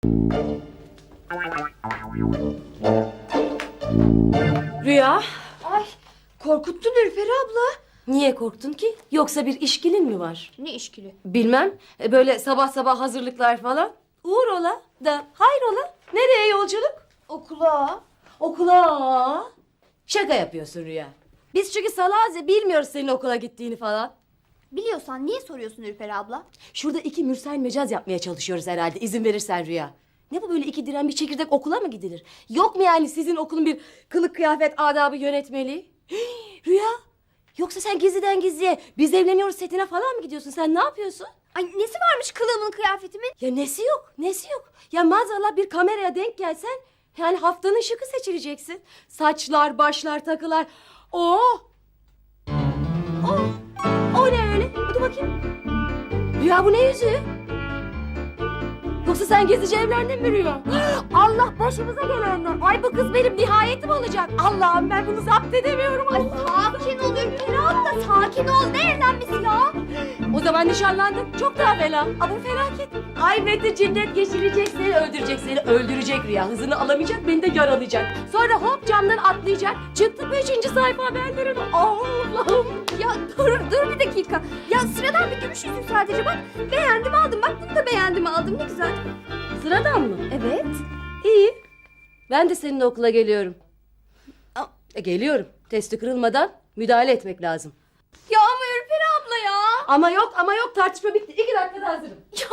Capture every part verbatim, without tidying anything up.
Rüya, Ay, korkuttun Ürperi abla. niye korktun ki? Yoksa bir işkilin mi var? Ne işkili? Bilmem, e, böyle sabah sabah hazırlıklar falan. Uğur ola da hayrola? Nereye yolculuk? Okula. Okula. Şaka yapıyorsun Rüya. Biz çünkü salağız ya, bilmiyoruz senin okula gittiğini falan. Biliyorsan niye soruyorsun Ürperi abla? Şurada iki mürsel mecaz yapmaya çalışıyoruz herhalde, izin verirsen Rüya. Ne bu böyle iki diren bir çekirdek okula mı gidilir? Yok mu yani sizin okulun bir kılık kıyafet adabı yönetmeliği? Hii, Rüya, yoksa sen gizliden gizliye biz evleniyoruz setine falan mı gidiyorsun? Sen ne yapıyorsun? Ay nesi varmış kılığımın kıyafetimin? Ya nesi yok, nesi yok? Ya maazallah bir kameraya denk gelsen yani haftanın şıkı seçileceksin. Saçlar, başlar, takılar. Oo! O, o ne öyle? Hadi bakayım. Rüya bu ne yüzüğü? Yoksa sen gizlice evlendin mi Rüya? Allah başımıza gelenler. Ay bu kız benim nihayetim olacak. Allah'ım ben bunu zapt edemiyorum. Ay sakin ol Ürperi abla, sakin ol. Ne evlenmesi ya? O zaman nişanlandık. Çok daha fena. Ama felaket. Ay Mete cinnet geçirecek seni, öldürecek seni, öldürecek Rüya. Hızını alamayacak, beni de yaralayacak. Sonra hop camdan atlayacak. Çıktı beşinci sayfa haberlerin. Allah'ım. Ya dur dur bir dakika. Ya sıradan bir gümüş yüzük sadece bak. Beğendim aldım. Bak bunu da beğendim aldım. Ne güzel. Sıradan mı? Evet. İyi. Ben de seninle okula geliyorum. Aa. E, geliyorum. Testi kırılmadan müdahale etmek lazım. Ya ama Ürperi abla ya. Ama yok ama yok, tartışma bitti. İki dakikada hazırım. Ya.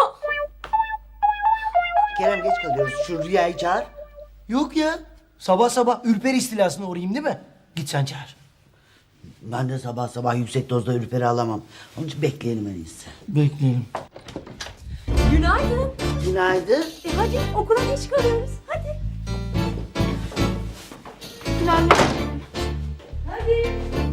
Kerem geç kalıyoruz. Şu Rüya'yı çağır. Yok ya. Sabah sabah ürperi istilasına uğrayayım değil mi? Git sen çağır. Ben de sabah sabah yüksek dozda ürperi alamam. Onun için bekleyelim en iyisi. Bekleyelim. Günaydın. Günaydın. E hadi okula geç kalıyoruz. Hadi. Günaydın. Hadi.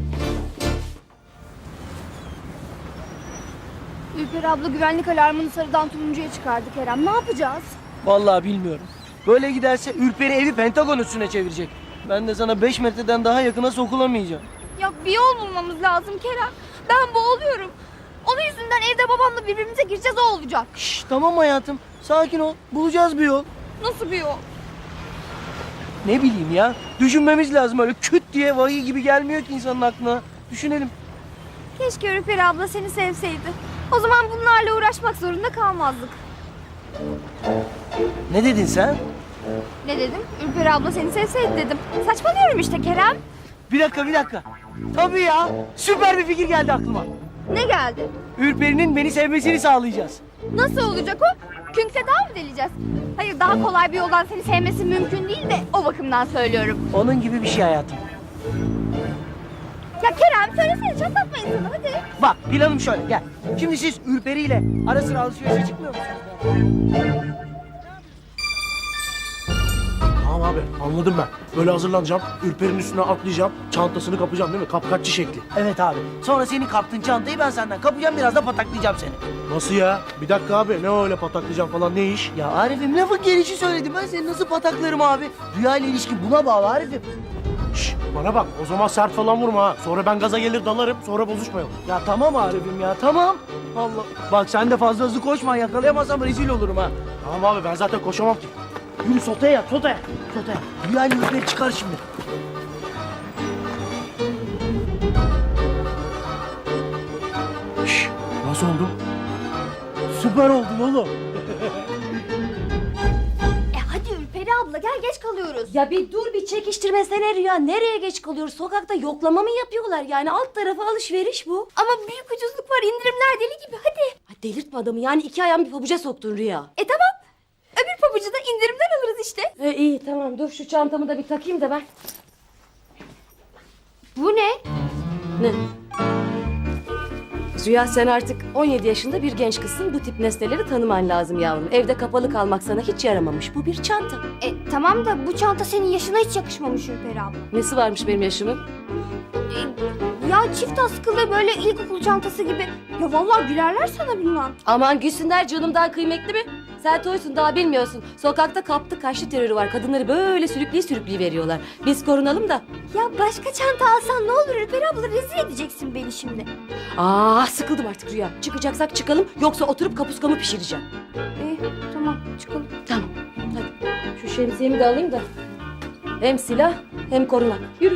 Ürperi abla güvenlik alarmını sarıdan turuncuya çıkardı Kerem. Ne yapacağız? Vallahi bilmiyorum. Böyle giderse ürperi evi Pentagon üstüne çevirecek. Ben de sana beş metreden daha yakına sokulamayacağım. Ya bir yol bulmamız lazım Kerem. Ben boğuluyorum. Onun yüzünden evde babamla birbirimize gireceğiz, o olacak. Şşş tamam hayatım. Sakin ol. Bulacağız bir yol. Nasıl bir yol? Ne bileyim ya. Düşünmemiz lazım, öyle küt diye vahiy gibi gelmiyor ki insanın aklına. Düşünelim. Keşke Ürperi abla seni sevseydi. O zaman bunlarla uğraşmak zorunda kalmazdık. Ne dedin sen? Ne dedim? Ürperi abla seni sevseydi dedim. Saçmalıyorum işte Kerem. Bir dakika bir dakika. Tabii ya. Süper bir fikir geldi aklıma. Ne geldi? Ürperinin beni sevmesini sağlayacağız. Nasıl olacak o? Künkse daha mı deleceğiz? Hayır, daha kolay bir yoldan seni sevmesi mümkün değil de o bakımdan söylüyorum. Onun gibi bir şey hayatım. Ya Kerem söylesene, çatlatma insanı hadi. Bak planım şöyle, gel. Şimdi siz Ürperi ile ara sıra alışverişe çıkmıyor musunuz? Tamam abi anladım ben. Böyle hazırlanacağım. Ürper'in üstüne atlayacağım. Çantasını kapacağım değil mi? Kapkaççı şekli. Evet abi. Sonra senin kaptığın çantayı ben senden kapacağım, biraz da pataklayacağım seni. Nasıl ya? Bir dakika abi. Ne öyle pataklayacağım falan, ne iş? Ya Arif'im, lafın gelişi söyledim. Ben seni nasıl pataklarım abi? Rüya ile ilişki buna bağlı Arif'im. Şş, bana bak, o zaman sert falan vurma ha. Sonra ben gaza gelir dalarım, sonra bozuşmayalım. Ya tamam Arif'im ya, tamam. Allah. Bak sen de fazla hızlı koşma, yakalayamazsam rezil olurum ha. Tamam abi, ben zaten koşamam ki. Yürü sotaya yat, sotaya. Sotaya. Rüya ile Ürperi çıkar şimdi. Şş, nasıl oldu? Süper oldun oğlum. E hadi Ürperi abla gel, geç kalıyoruz. Ya bir dur, bir çekiştirmesene Rüya. Nereye geç kalıyoruz? Sokakta yoklama mı yapıyorlar? Yani alt tarafı alışveriş bu. Ama büyük ucuzluk var, indirimler deli gibi, hadi. Ha, delirtme adamı, yani iki ayağımı bir pabuca soktun Rüya. E tamam. Öbür pabucu da indirimden alırız işte. E, iyi tamam, dur şu çantamı da bir takayım da ben. Bu ne? Ne? Rüya, sen artık on yedi yaşında bir genç kızsın. Bu tip nesneleri tanıman lazım yavrum. Evde kapalı kalmak sana hiç yaramamış. Bu bir çanta. E tamam da bu çanta senin yaşına hiç yakışmamış Ürperi abla. Nesi varmış benim yaşımın? E, ya çift askılı böyle ilkokul çantası gibi. Ya vallahi gülerler sana bilmem. Aman gülsünler, canımdan kıymetli mi? Sen toysun, daha bilmiyorsun. Sokakta kaptı kaçtı terörü var. Kadınları böyle sürükleye sürükleye veriyorlar. Biz korunalım da. Ya başka çanta alsan ne olur Ürperi abla, rezil edeceksin beni şimdi. Aa, sıkıldım artık Rüya. Çıkacaksak çıkalım, yoksa oturup kapuskamı pişireceğim. E tamam çıkalım. Tamam. şemsiyemi de alayım da. Hem silah hem korunak. Yürü.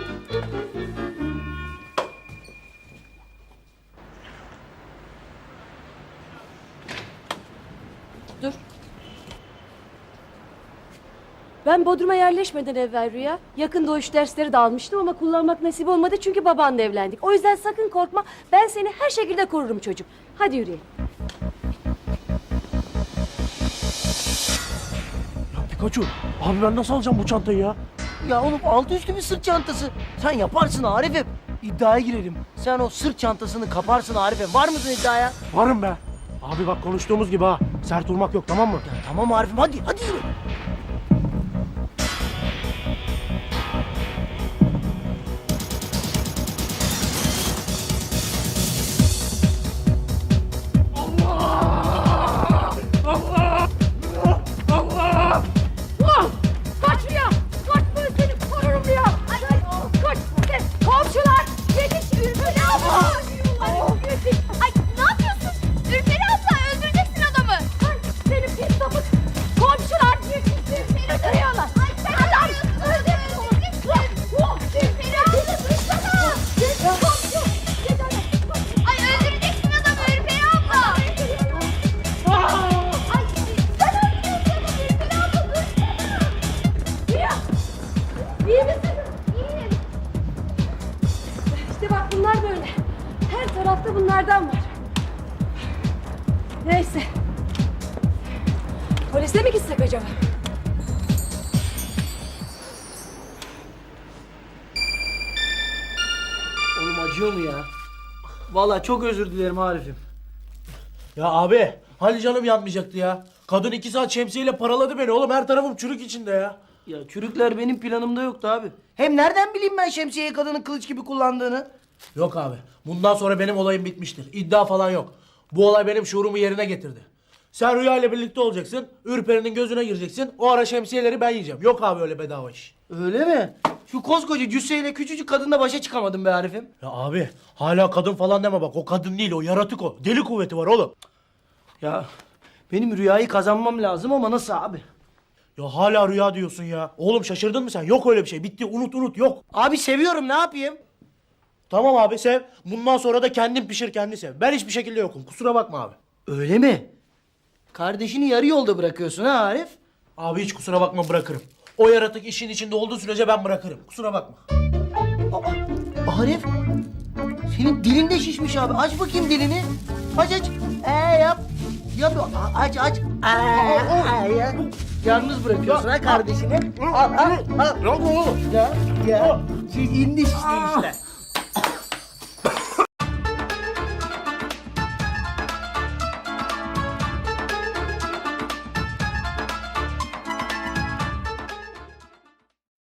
Dur. Ben Bodrum'a yerleşmeden evvel Rüya, yakın doğuş dersleri de almıştım ama kullanmak nasip olmadı çünkü babanla evlendik. O yüzden sakın korkma, ben seni her şekilde korurum çocuğum. Hadi yürüyelim. Ya Pikachu, abi ben nasıl alacağım bu çantayı ya? Ya oğlum altı üstü bir sırt çantası. Sen yaparsın Arif'im. İddiaya girelim. Sen o sırt çantasını kaparsın Arif'im. Var mısın iddiaya? Varım be. Abi bak konuştuğumuz gibi ha. Sert vurmak yok, tamam mı? Ya tamam Arif'im, hadi hadi yürü. Kaç Rüya! Kaç, ben seni korurum Rüya! Ay, ay, kaç! Komşular! Yetiş Ürperi abla! Ay, yetiş! Ay ne yapıyorsun? Ürperi abla öldüreceksin adamı. Ay, seni pis sapık! Komşular yetiş! Ürperi duruyorlar! Ay sen adam öldüreceksin. Ürperi abla dursana. Komşu! Ay öldüreceksin adamı Ürperi abla. Ay sen öldüreceksin adamı Ürperi abla dursana. Rüya! İyi misin? İyiyim. İşte bak bunlar böyle. Her tarafta bunlardan var. Neyse. Polise mi gitsek acaba? Oğlum acıyor mu ya? Vallahi çok özür dilerim Arif'im. Ya abi, hani canım yanmayacaktı ya. Kadın iki saat şemsiyeyle paraladı beni oğlum. Her tarafım çürük içinde ya. Ya çürükler benim planımda yoktu abi. Hem nereden bileyim ben şemsiyeyi kadının kılıç gibi kullandığını? Yok abi. Bundan sonra benim olayım bitmiştir. İddia falan yok. Bu olay benim şuurumu yerine getirdi. Sen Rüya ile birlikte olacaksın. Ürperi'nin gözüne gireceksin. O ara şemsiyeleri ben yiyeceğim. Yok abi öyle bedava iş. Öyle mi? Şu koskoca cüsseyle küçücük kadınla başa çıkamadım be Arif'im. Ya abi hala kadın falan deme bak. O kadın değil, o yaratık o. Deli kuvveti var oğlum. Ya benim rüyayı kazanmam lazım ama nasıl abi? Ya hala rüya diyorsun ya. Oğlum şaşırdın mı sen? Yok öyle bir şey. Bitti, unut unut, yok. Abi seviyorum, ne yapayım? Tamam abi sev. Bundan sonra da kendin pişir kendi sev. Ben hiçbir şekilde yokum. Kusura bakma abi. Öyle mi? Kardeşini yarı yolda bırakıyorsun ha Arif? Abi hiç kusura bakma, bırakırım. O yaratık işin içinde olduğu sürece ben bırakırım. Kusura bakma. Aa, Arif, senin dilin de şişmiş abi. Aç bakayım dilini. Aç aç. Ee yap. Yap. A- Aç aç. Ee, ee, ya. Yalnız bırakıyorsun ha kardeşini. Al al al. Ne oldu oğlum? Ya ya. Şey indi işte işte.